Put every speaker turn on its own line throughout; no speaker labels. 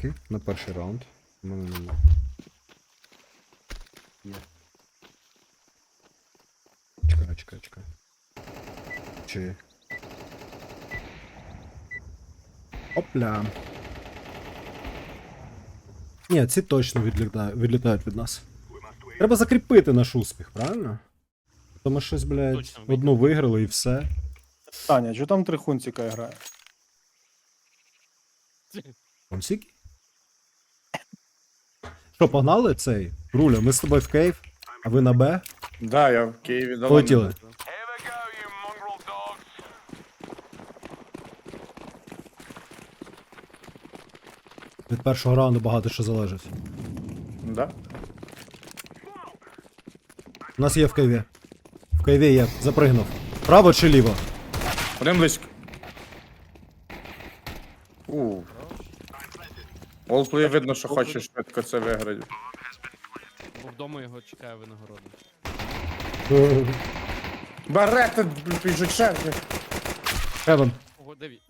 смоки на перший раунд. У мене нема. Є. Чекай. Чи... Опля. Ні, ці точно відлітають від нас. Треба закріпити наш успіх, правильно? То ми щось, блядь,
Точно,
одну виграли і все.
Таня, що там 3 хунціка грає?
Консіки? Що, погнали цей? Руля, ми з тобою в Київ, а ви на Б?
Да, я в Києві давно.
Полетіли. Від першого раунду багато що залежить.
Да?
У нас є в Києві. В Києві є, запригнув. Право чи ліво?
Один близько. Олплей видно, що хоче швидко це виграти.
Бо вдома його чекає винагорода.
Берете, біжуть ще.
Хевен.
Ого, 9.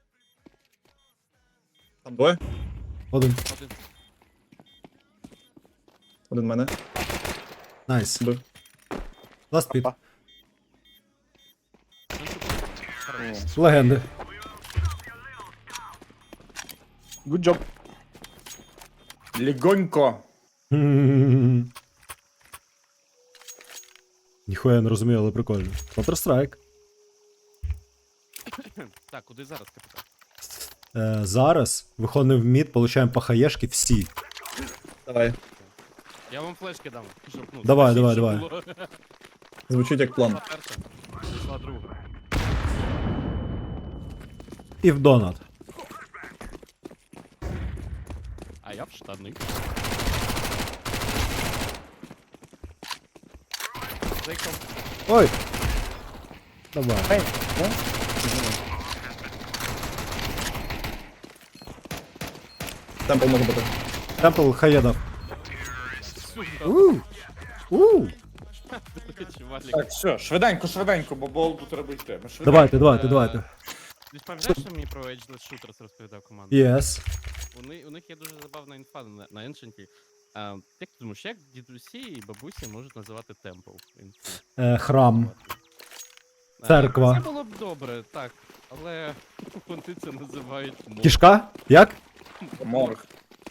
Там двоє?
Один.
Один.
Один мене.
Найс.
Бив.
Ласт піт.
Опа.
Легенди.
Good job.
Лігонько.
Ніхуя не розумію, але прикольно. Counter-Strike.
Так, куди зараз, капітан?
Зараз виходимо в мід, получаємо по хаєшки всі.
Давай.
Я вам флешки дам, щоб, ну,
Давай,
скажіть,
давай,
що
давай.
було.
Звучить як план.
Пішла перша, пішла друга.
І в донат.
А я в штани. Зайком.
Ой! Давай.
Ей, ну?
Темпл може бути.
Темпл хає дав.
Чувалік.
Так, все, швиденько, бо болду треба йти. Ми швиденько.
Давайте.
Ти ж пам'ятаєш, що мені про Ageless Shooters розповідав команда?
Yes.
У них є дуже забавна інфа на Ancient. Як ти думаєш, як дідусі і бабусі можуть називати темпл?
Храм. Церква.
Це було б добре, так. Але вони це називають мов.
Кішка? Як?
Морг.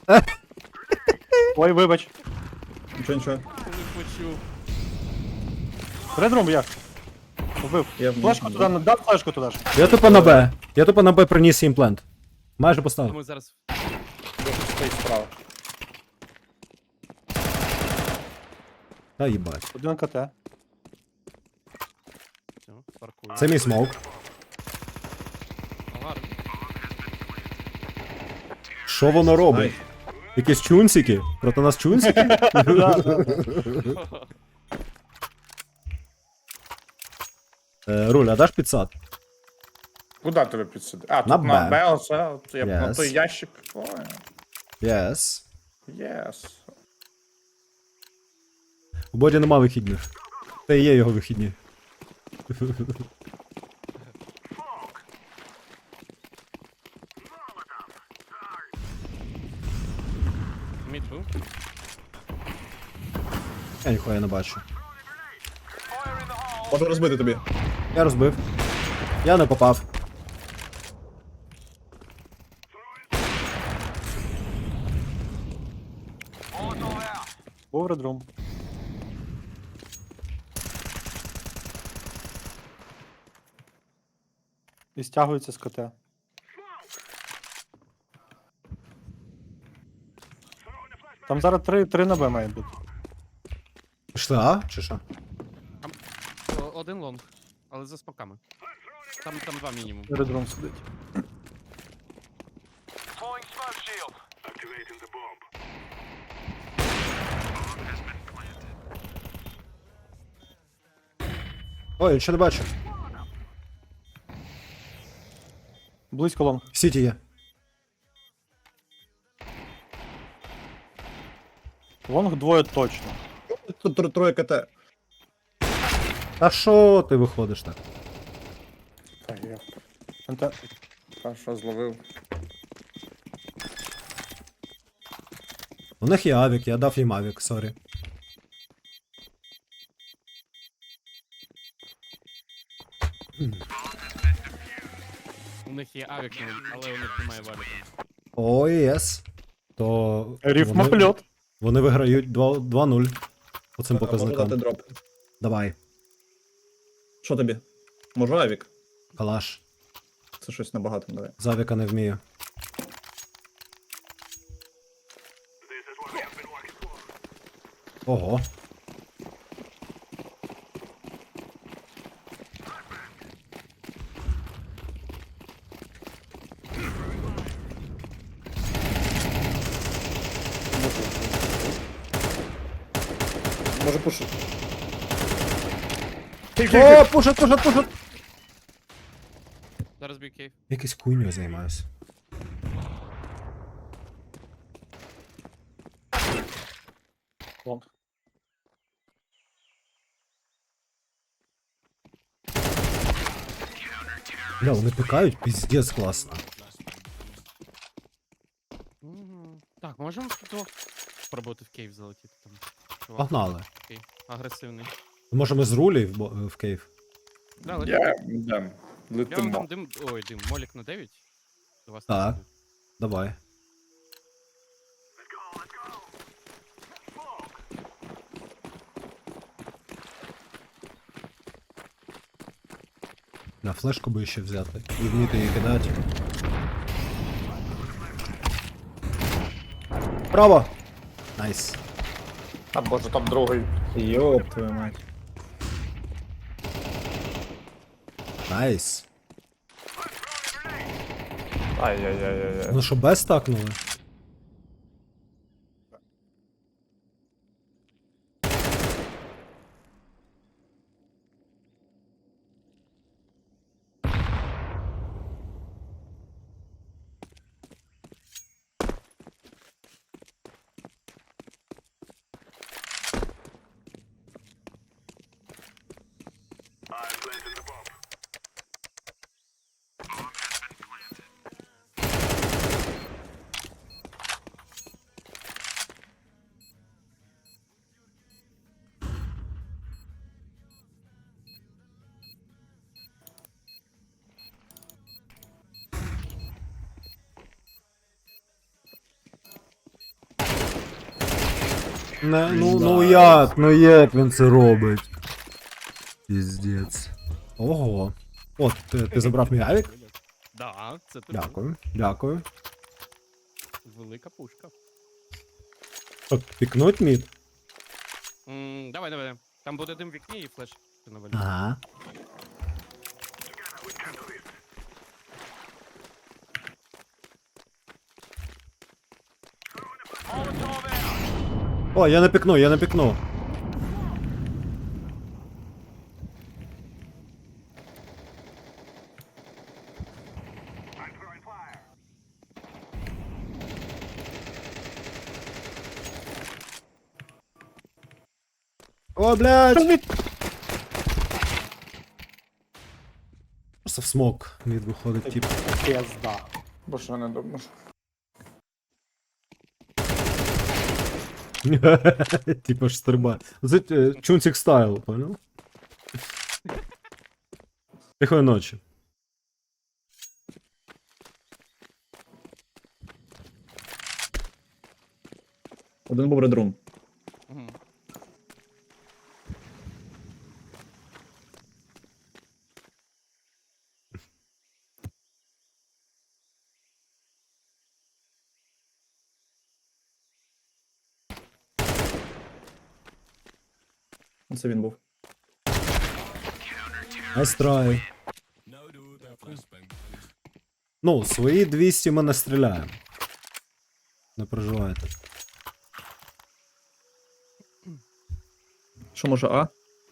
Ой, вибач.
Нічого.
Коли почув.
Редрум як? Вбив.
Я
Флешку туди, дав флешку туди ж.
Я тупо на Б приніс імплант. Майже поставив.
Ми зараз
Стоїть справа.
Та їбать.
Один КТ.
все, паркую.
Це мій смоук.
Гарно.
Що воно робить? Якісь чунсики? Проти нас чунсики? Руль, а даш підсад?
Куди тебе підсидити? А,
На
тут на
Б.
Б, оце. Я
Yes.
на той ящик. Ой,
Yes.
єс.
У Боді нема вихідних. Це і є його вихідні.
Міту.
Я ніхуя не бачу.
Можу розбити тобі.
Я розбив. Я не попав.
Був редрум. І стягується з КТ. Там зараз 3 на Б має бути.
Пішли А? Чи що?
Один лонг, але за смоками. Там два мінімум.
Редрум сидить.
Ой, нічого не бачу.
Близько лонг.
В Сіті є.
Лонг двоє точно.
Тут троє КТ.
А що ти виходиш так?
Так, я
НТ.
першого зловив.
У них є авік, я дав їм авік, сорі.
У них є авік, але у них немає валіка.
О, єс. То
Рифмопльот.
вони виграють 2-0 по цим
Можу дати
показникам.
дроп.
Давай,
Що тобі? Може авік?
калаш.
Це щось набагато, давай.
З авіка не вмію. Ого.
Може пушити.
О, пушат!
Зараз бій кейв.
Якийсь хуйню займаюся.
Лонг.
Бля, вони пікають, піздець класно.
Так, можемо тут спробувати в кейв залетіти там. Чувак
Погнали.
такий агресивний.
Може ми з рулі в кейв?
Да, летіть.
Я дам.
Я вам
Летимо.
дам дим. Ой, дим. Молік на 9. До вас
Так.
не буде.
Давай. На флешку би ще взяти. І вміти її кидати. Право! Найс.
А боже, там другий.
Йоп, твою мать.
Найс.
Ай-яй-яй-яй.
Ну що, без стакнули? Не, ну як він це робить? Піздець. Ого. От, ти забрав мій авік?
Да, це тобі.
Дякую.
Велика пушка.
Що, пікнуть мід?
Давай. Там буде дим в вікні і флеш. Ти навалю.
Ага. О, я не пікну. О, блядь! Просто в смок мід виходить, тип.
Пізда.
Бо що не думаєш?
Типа ж стрибає. Це чунцик стайл, понял? Тихої ночі.
Один був редрум.
Мгм.
Це він був.
Настрай. Ну, свої 200 ми не стріляємо. Не переживайте.
Що може А?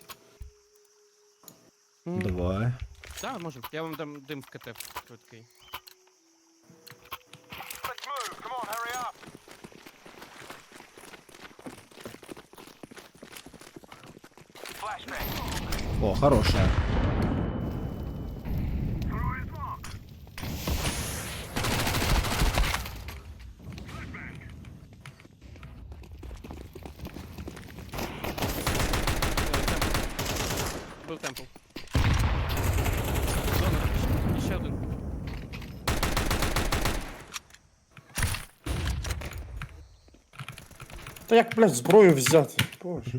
Давай.
Так, можем. Я вам дам дим в КТ швидкий.
О, хорошая.
Та як, блядь, зброю взяти? Боже.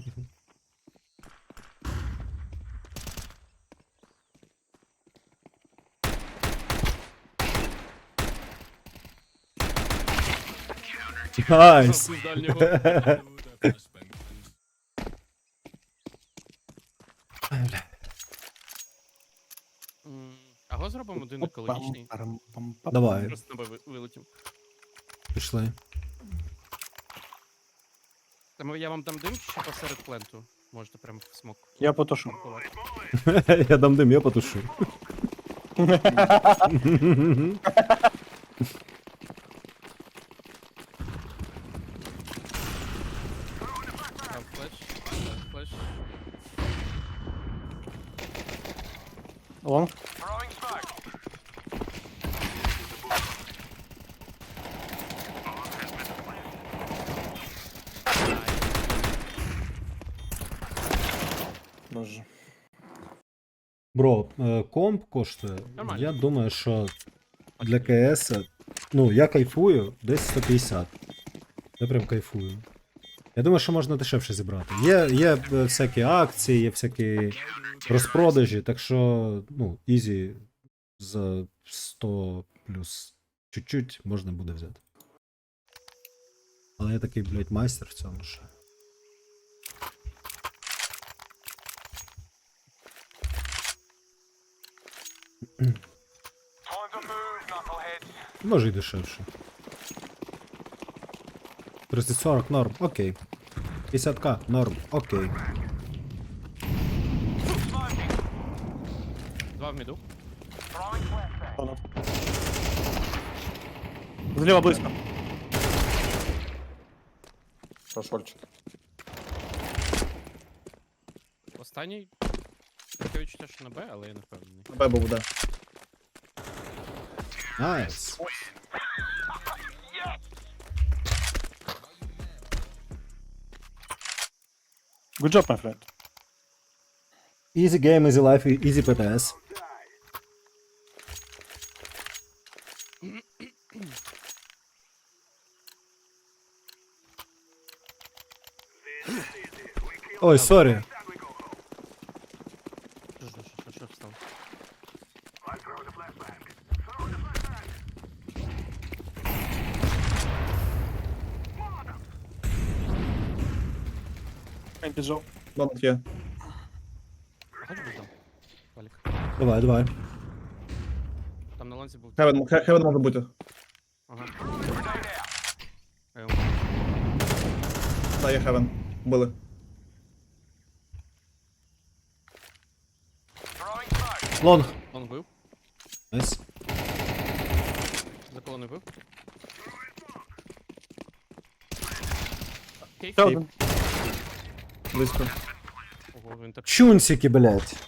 Найс!
З дальнього. Аго зробимо один екологічний.
Давай,
Просто на Б вилетів.
пішли.
Там я вам дам дим ще посеред пленту. Можете прям в смок.
Я потушу.
ховати.
Я дам дим, я потушу.
Дав флеш. Дав флеш.
Лонг.
Боже.
Бро, комп коштує.
Нормально.
Я думаю, що для КС, ну, я кайфую десь 150. Я прям кайфую. Я думаю, що можна дешевше зібрати. Є всякі акції, є всякі розпродажі, так що, ну, ізі за 100 плюс чуть-чуть можна буде взяти. Але я такий, блядь, майстер в цьому ще. Може й дешевше. 30-40 норм, окей. 50к норм, окей.
Два в міду.
Донат. Зліва близько.
Прошольчик.
Останній. Таке відчуття, що на Б, але я не впевнений.
Б був, да.
Найс.
Good job, my friend.
Easy game, easy life, easy PPS. Ой, сорі.
Що встав?
Він піджав.
Донат є.
Хоч би там. Валік.
Давай, давай.
Там на ланці був.
Хевен може бути.
Ага.
Да, є Хевен. Били.
Лонг.
Он бив.
Найс.
За колоною бив. Кейф.
Ще один.
Близько.
Ого, він так.
Чунсики, блядь.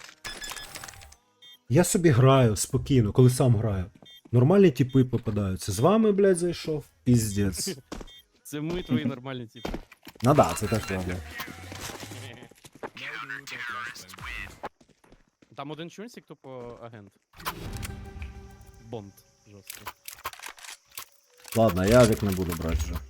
Я собі граю спокійно, коли сам граю. Нормальні типи попадаються. З вами, блядь, зайшов. Піздець.
Це ми твої нормальні типи.
Ну да, це так правда.
Там один чунсик, тупо агент. Бонд. Жорстко.
Ладно, я авік не буду брати вже.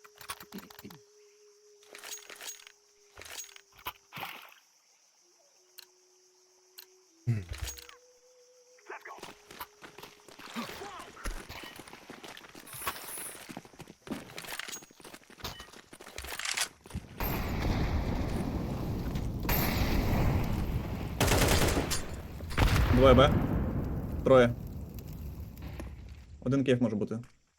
Двоє Б. Троє. Один кейф може бути.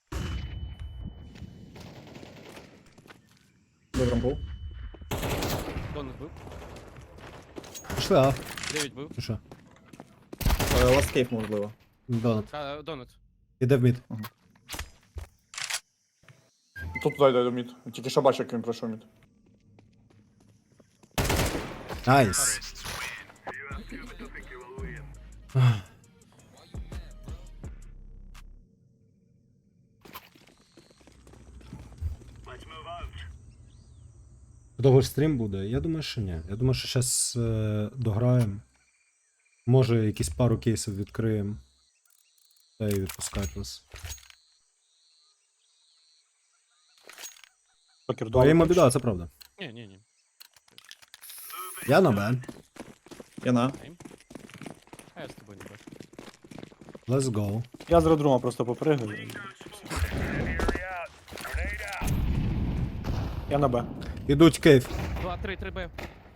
Добре, рампул.
Донат бив.
Пішли, а?
9 бив.
Ну що?
Ласт кейф можливо.
Донат.
Донат.
Іде в мід.
Тут дай до мід. Тільки що бачив, як він пройшов мід.
Найс. Довго ж стрім буде? Я думаю, що ні. Я думаю, що зараз дограємо. Може, якісь пару кейсів відкриємо. Та й відпускати вас.
Покер,
Твоїм біда, це правда.
Ні.
Я на Б.
Я на.
А я з тобою не бачу.
Let's go.
Я з редрума просто попригаю. Я на Б.
Ідуть кейф.
2, 3, 3Б.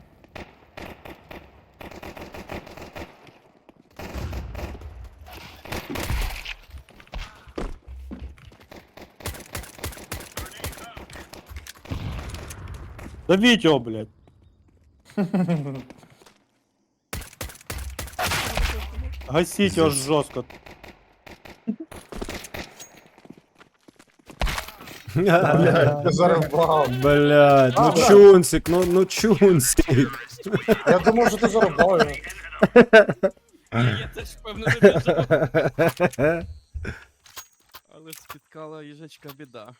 Давіть його, блядь. Гасіть його жорстко.
Я зарубав.
Блядь, ну чунсик, ну чунсик.
Я думав, що ти зарубав його.
Я теж певно не біжав. Але спіткала їжачка біда.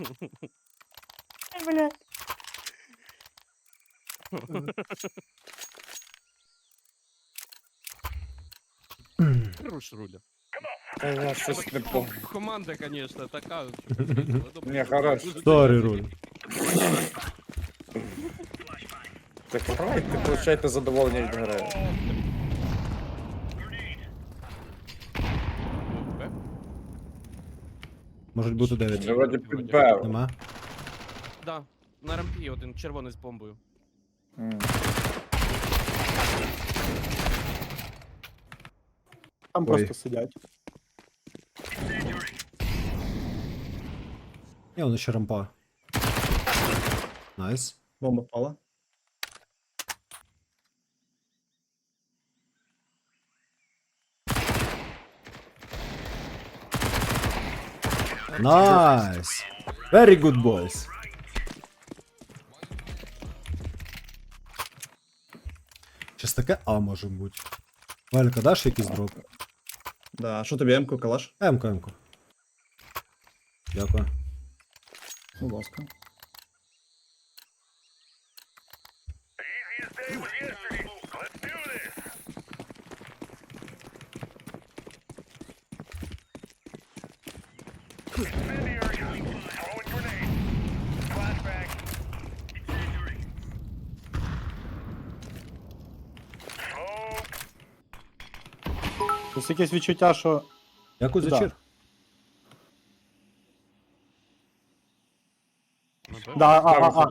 Руш руля.
Я щось не помню.
Команда, конечно, така.
Ні, хорош.
Сорі, руль.
Так грайте, получайте задоволення від гри.
Можуть бути 9.
Я вроді підбив.
Нема?
Да, на рампі один червоний з бомбою.
Там
Ой.
просто сидять.
Є, воно ще рампа. Найс.
Бомба впала.
Найс. Very good boys. Щас таке А може бути. Валька, даш якийсь дроп?
Да, а що тобі М-ку, калаш?
Емко, емко. Дякую.
Будь ласка.
Ось якесь відчуття, що
Дякую за
Да.
чир.
Да, а.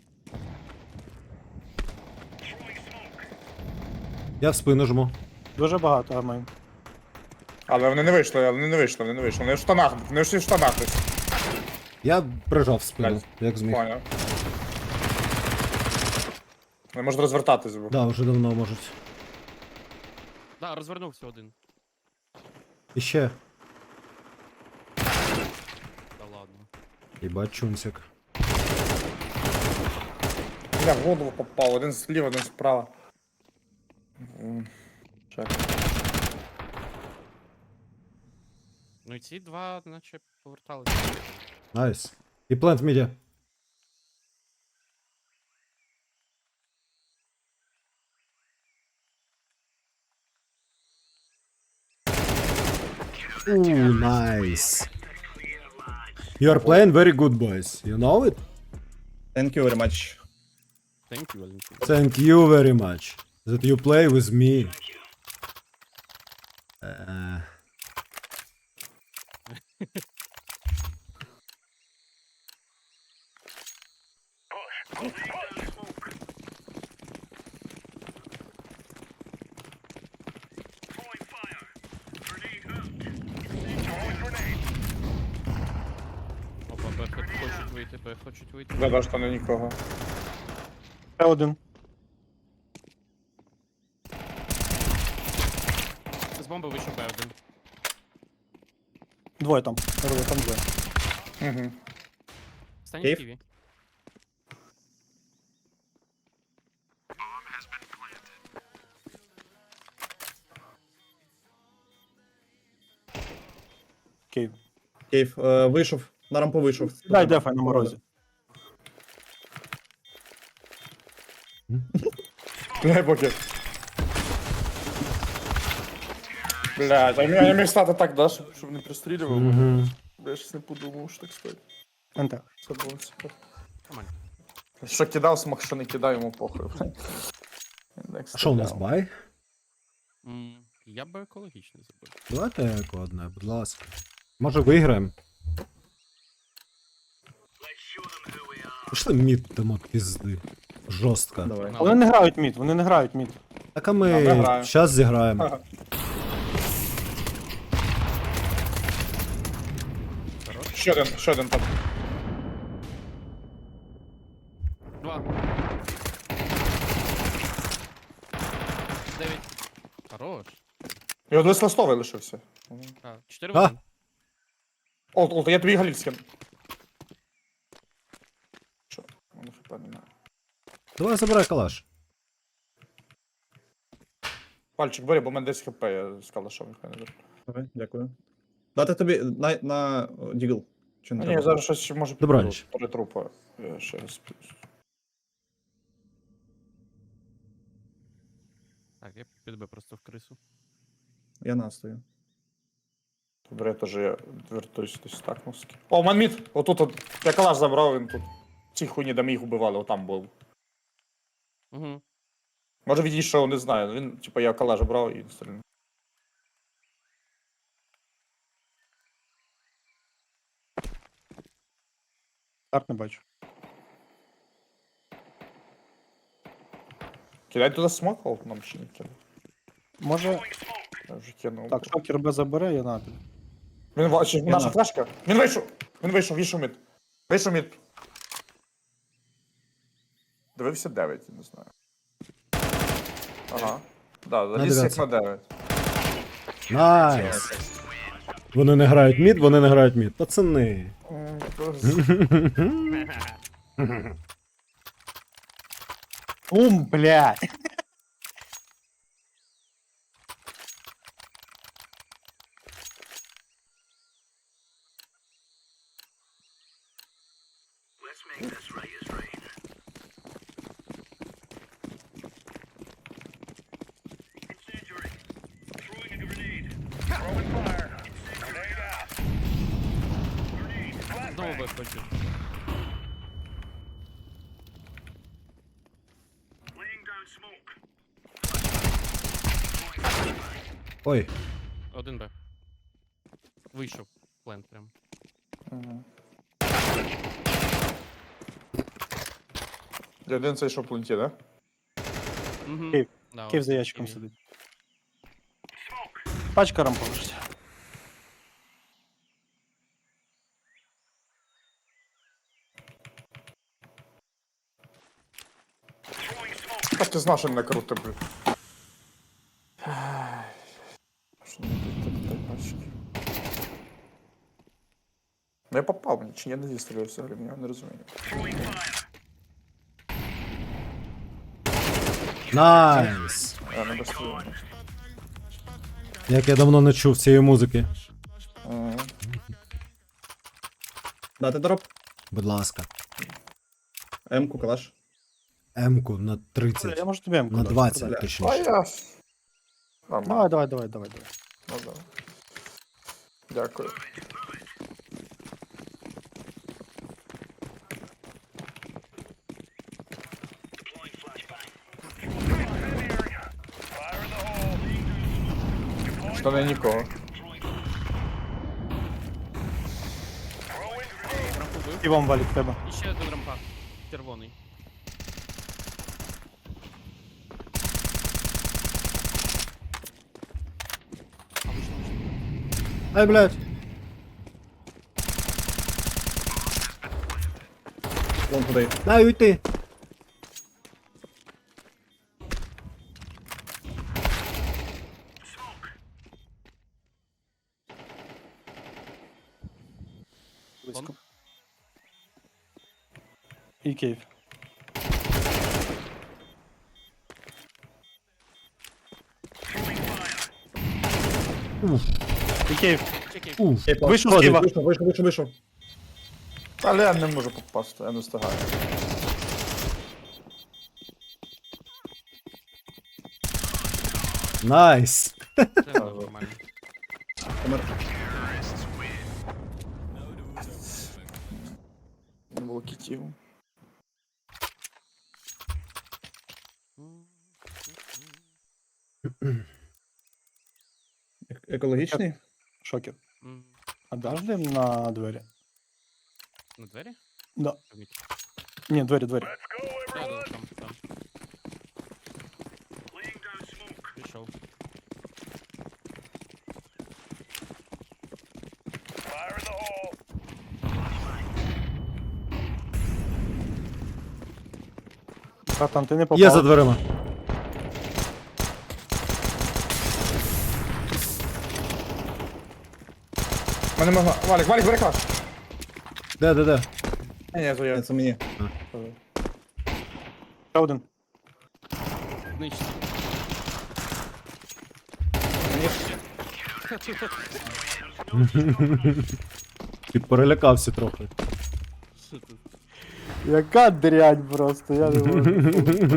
Я в спину жму.
дуже багато армейн.
Але вони не вийшли, Вони в штанах, вони всі в штанах десь.
Я прижав в спину,
Блядь.
як зміг.
Поняв. Вони можуть розвертатись, бо.
Да, вже давно можуть.
Да, розвернувся один.
І ще.
Та ладно.
Єбать чунсик.
Я в голову попав, один зліва, один справа. Чек.
Ну і ці два, наче, поверталися.
Найс. І плент мідя. Ooh, nice. You are playing very good, boys. You know it?
Thank you very much.
Thank you, Валентин.
Thank you very much that you play with me.
Опа, Б хочуть вийти, Б хочуть вийти.
Да, що не нікого.
Ще один.
З бомби вийшов Б один.
Двоє там. Там двоє.
Угу.
Стань
Кейв?
в Києві.
Окей.
Кейв, вийшов. На рампу вийшов.
Дай дефай на морозі.
Бля, бокер. Блядь, я міг стати так, да, щоб не пристрілював.
Мгм.
Я щось не подумав, що так стати.
НТ.
Це було супер.
Нормально.
Що кидав, смак, що не кидав, йому похуй.
А що у нас бай?
Я би екологічний забив.
Давайте еко одне, будь ласка. Може виграємо? Пішли мід дамо пізди. Жорстко.
Давай.
Вони не грають мід, вони не грають мід.
Так а ми
ми граємо.
зараз зіграємо.
Ага. Ще один там.
2. 9. Хорош.
І один листовий лишився.
4
А?
1.
Олд, я тобі галік скину. Що? Воно хп немає.
Давай забирай калаш.
Пальчик бери, бо в мене 10 хп, я з калашом ніхай не беру.
Давай, дякую. Дати тобі на дігл. Чи не
Ні,
треба?
я зараз щось може
Добраніч.
Три трупа. Я ще раз.
Так, я підбив просто в крису.
Я настою.
Добре, я теж вертуюсь десь так носки. О, манміт! Отут от. Я калаш забрав, він тут. Ці хуйні, де ми їх убивали, отам був.
Угу.
Може відійшов, не знаю. Він, типа, я калаш брав і стрільнув.
Карт не бачу.
Кидай туди смок, Олд, нам ще не кидав.
Може.
Я вже кинув.
Так, шокер Б забере, я напід.
Він бачить, наша
на-
флешка. Він вийшов! Він вийшов мід. Вийшов мід. Дивився 9, я не знаю. Ага. Да, заліз як
9.
на 9.
Найс. Вони не грають мід, вони не грають мід. Пацани.
Блядь!
Знову виходжу.
Ой,
1 Б. Вийшов. Плент прям.
Один цей що в пленті, да?
Угу.
Кейв.
Да,
Київ за
ось
ящиком
Києві.
сидить. Пачка рампа лежить.
Так ти знав, що не круто, блядь. Що не так бачки. Ну я попав мені, чи я не зістрілив взагалі, я не розумію.
найс.
Я не дострілив.
Як я давно не чув цієї музики.
Дати дроп.
Будь ласка.
М-ку, калаш.
М-ку на
Я
30.
можу тобі М-ку
На
дати.
20,
Бля.
А
точніше.
я... Нормально.
Давай.
Ну, да. Дякую. Що не нікого.
Рампу бив.
І вам валік тебе.
І ще один рампа. Червоний. А вийшло.
Ай, блядь.
Вон туди.
Дай уйти.
Близько. І Київ. І Київ.
Чекай.
Уф.
Вийшов з Києва.
Вийшов.
Але я не можу попасти, я не встигаю.
Найс.
Це нормально.
Помер.
Не було кітів.
Екологічний?
Шокер.
М,
А даш дим на двері?
На двері?
Да.
Ні.
Ні, двері.
Да, там. Пішов.
Братан, ти не попав.
Є за дверима.
Мене могла. Валік, бери клаш.
Де?
Ні, то я.
Це мені.
Ще один.
Знищити.
Ти перелякався трохи.
Що тут?
Яка дрянь просто, я не можу.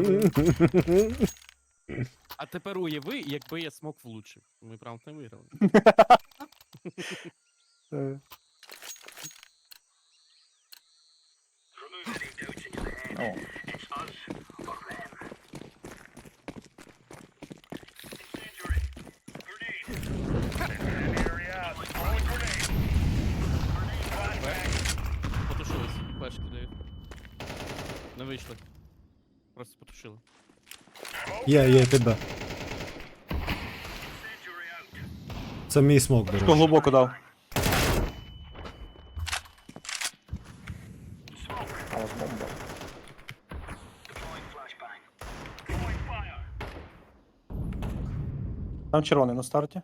А тепер уяви, якби я смок влучив. Ми прям не виграли.
Е,
О.
Потушились. Флешки дають. Не вийшли. Просто потушили.
Є, тебе. Це мій смок, до
Хто
речі.
глибоко дав?
А ось бомба.
Там червоний на старті.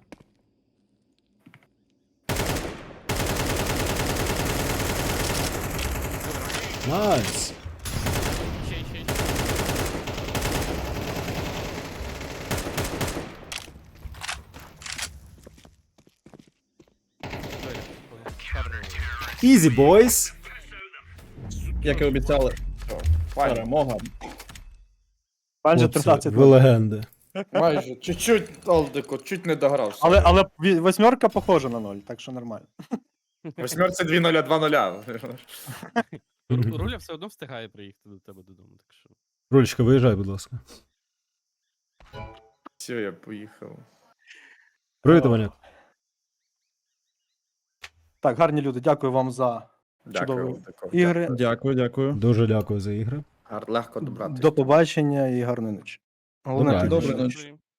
Найс.
Ще. Двері. Шарили.
Ізі, бойс.
Як і обіцяли.
Валік.
Перемога.
Майже
Хлопці,
13.
ви легенди.
Майже. Чуть-чуть, Алдико, чуть не догрався.
Але восьмерка похожа на 0, так що нормально.
Восьмерці 2-0-2-0.
Руля все одно встигає приїхати до тебе додому, так що.
Рулечка, виїжджай, будь ласка.
Все, я поїхав.
Привіт, Ваняк.
Так, гарні люди, дякую вам за
Дякую.
Чудово.
Тако.
ігри.
Дякую.
Дуже дякую за ігри.
Легко добрати.
До побачення і гарної ночі. Головне,
Добре.
ти
Добре,
дуже-
ночі.